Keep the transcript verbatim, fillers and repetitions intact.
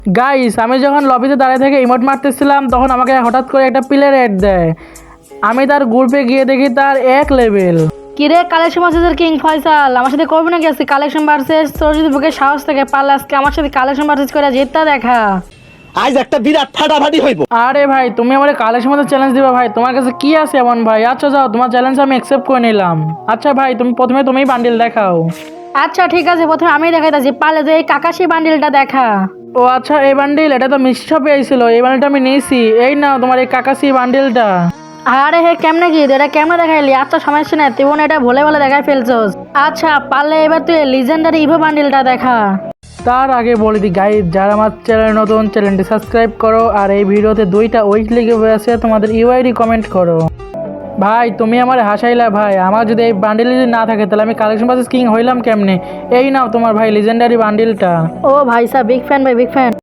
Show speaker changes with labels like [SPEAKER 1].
[SPEAKER 1] Guys, আমি যখন লবিতে দাঁড়িয়ে থেকে ইমোট মারতেছিলাম তখন আমাকে হঠাৎ করে একটা প্লেয়ার অ্যাড দেয়। আমি তার গ্রুপে গিয়ে দেখি তার এক লেভেল।
[SPEAKER 2] কিরে কালেকশন ভার্সেস কিং ফয়সাল, আমার সাথে করবি নাকি আজকে কালেকশন ভার্সেস? তোর যদি বুকে সাহস থাকে পারলে আজকে আমার সাথে কালেকশন ভার্সেস করে জিতটা দেখা।
[SPEAKER 3] আজ একটা বিরাট ফাটাফাটি হইব।
[SPEAKER 1] আরে ভাই, তুমি আমার কালের মধ্যে চ্যালেঞ্জ দিবা ভাই? তোমার কাছে কি আছে এমন ভাই? আচ্ছা যাও, তোমার চ্যালেঞ্জ আমি অ্যাকসেপ্ট করে নিলাম। আচ্ছা ভাই, তুমি প্রথমে তুমিই বান্ডিল দেখাও।
[SPEAKER 2] আচ্ছা ঠিক আছে, প্রথমে আমি দেখাইতেছি, পারলে তো এই কাকাশি বান্ডিলটা দেখা।
[SPEAKER 1] ও আচ্ছা, এই বান্ডিল এটা তো মিষ্টি শপে আইছিল, এই বান্ডিলটা আমি নিয়েছি। এই নাও তোমার এই কাকাসি বান্ডিলটা।
[SPEAKER 2] আরে হে কেমনে কি এটা কেমনে দেখাইলি? আচ্ছা সমস্যা নাই, তুই মনে এটা ভুলে ভুলে দেখাই ফেলছস। আচ্ছা পারলে এবার তুই লিজেন্ডারি ইভো বান্ডিলটা দেখা।
[SPEAKER 1] তার আগে বলে দিই গাইজ, যারা আমার চ্যানেল নতুন, চ্যানেলটি সাবস্ক্রাইব করো আর এই ভিডিওতে দুইটা উইক লিখে আছে তোমাদের ইউআইডি কমেন্ট করো। ভাই তুমি আমার হাসাইলা ভাই, আমার যদি এই বান্ডিল যদি না থাকে তাহলে আমি কালেকশন ভার্সেস কিং হইলাম কেমনে? এই নাও তোমার ভাই লিজেন্ডারি বান্ডিলটা।
[SPEAKER 2] ও ভাই সাহেব, বিগ ফ্যান ভাই, বিগ ফ্যান।